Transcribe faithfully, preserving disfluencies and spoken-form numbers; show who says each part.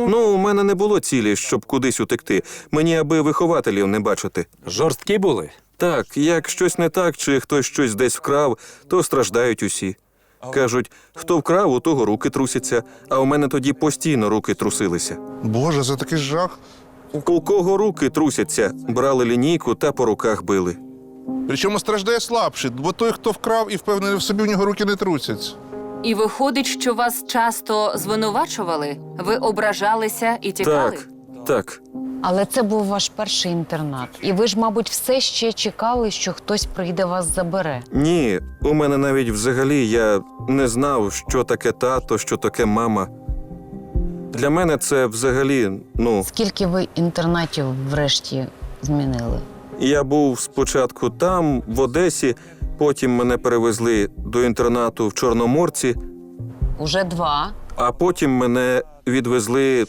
Speaker 1: Ну, у мене не було цілі, щоб кудись утекти. Мені аби вихователів не бачити.
Speaker 2: Жорсткі були?
Speaker 1: Так, як щось не так, чи хтось щось десь вкрав, то страждають усі. Кажуть, хто вкрав, у того руки трусяться, а у мене тоді постійно руки трусилися.
Speaker 3: Боже, це такий жах.
Speaker 1: У кого руки трусяться, брали лінійку та по руках били.
Speaker 3: Причому страждає слабший, бо той, хто вкрав і впевнений в собі, у нього руки не трусяться.
Speaker 4: І виходить, що вас часто звинувачували? Ви ображалися і тікали?
Speaker 1: Так, так.
Speaker 5: Але це був ваш перший інтернат. І ви ж, мабуть, все ще чекали, що хтось прийде вас забере.
Speaker 1: Ні, у мене навіть взагалі я не знав, що таке тато, що таке мама. Для мене це взагалі, ну,
Speaker 5: Скільки ви інтернатів врешті змінили?
Speaker 1: я був спочатку там, в Одесі, потім мене перевезли до інтернату в Чорноморці,
Speaker 5: Уже два.
Speaker 1: а потім мене відвезли